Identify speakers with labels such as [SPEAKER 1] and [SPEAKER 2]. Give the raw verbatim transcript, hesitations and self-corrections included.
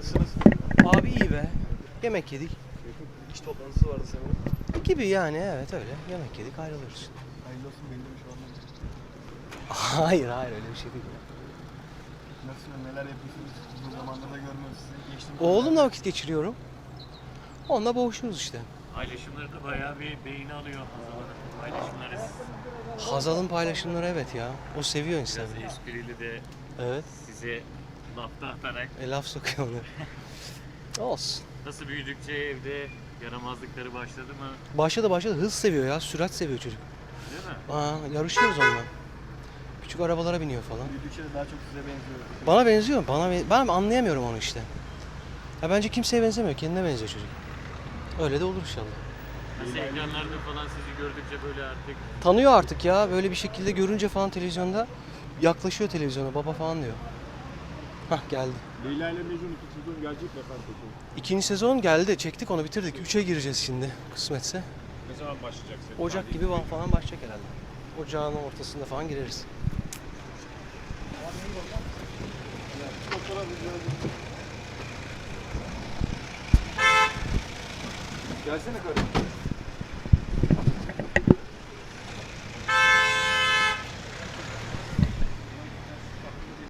[SPEAKER 1] Nasılsınız?
[SPEAKER 2] Abi iyi be. Yemek yedik.
[SPEAKER 1] İş toplantısı vardı sanırım.
[SPEAKER 2] Gibi yani, evet öyle. Yemek yedik, ayrılıyoruz.
[SPEAKER 1] Hayırlı olsun, belli bir şey olmadı.
[SPEAKER 2] Hayır hayır, öyle bir şey değil.
[SPEAKER 1] Nasıl, neler yapıyorsunuz? Uzun zamandır da görmüyoruz sizi. Geçtim.
[SPEAKER 2] Oğlumla vakit geçiriyorum. Onunla boğuşuyoruz işte.
[SPEAKER 3] Paylaşımları da bayağı bir beğeni alıyor Hazal'ın paylaşımları.
[SPEAKER 2] Hazal'ın paylaşımları, evet ya. O seviyor
[SPEAKER 3] Biraz
[SPEAKER 2] Instagram'ı.
[SPEAKER 3] esprili de
[SPEAKER 2] Evet.
[SPEAKER 3] size lafta atarak.
[SPEAKER 2] E, laf sokuyor onu. Olsun.
[SPEAKER 3] Nasıl büyüdükçe evde yaramazlıkları başladı mı?
[SPEAKER 2] Başladı başladı. Hız seviyor ya. Sürat seviyor çocuk.
[SPEAKER 3] Değil mi?
[SPEAKER 2] Aa, yarışıyoruz onunla. Küçük arabalara biniyor falan.
[SPEAKER 1] Büyüdükçe de daha çok size benziyor.
[SPEAKER 2] Bana benziyor. Bana ben, ben anlayamıyorum onu işte. Ya bence kimseye benzemiyor. Kendine benziyor çocuk. Öyle de olur inşallah.
[SPEAKER 3] Nasıl ekranlarda falan sizi gördükçe böyle artık
[SPEAKER 2] Tanıyor artık ya. Böyle bir şekilde görünce falan televizyonda yaklaşıyor televizyona. Baba falan diyor. Hah, geldi.
[SPEAKER 1] Leyla ile Mecnun iki sezon gelecek mi efendim peki?
[SPEAKER 2] İkinci sezon geldi. Çektik onu, bitirdik. Üçe gireceğiz şimdi kısmetse.
[SPEAKER 1] Ne zaman başlayacak senin?
[SPEAKER 2] Ocak gibi falan başlayacak herhalde. Ocağın ortasında falan gireriz.
[SPEAKER 1] Gelsene kardeşim.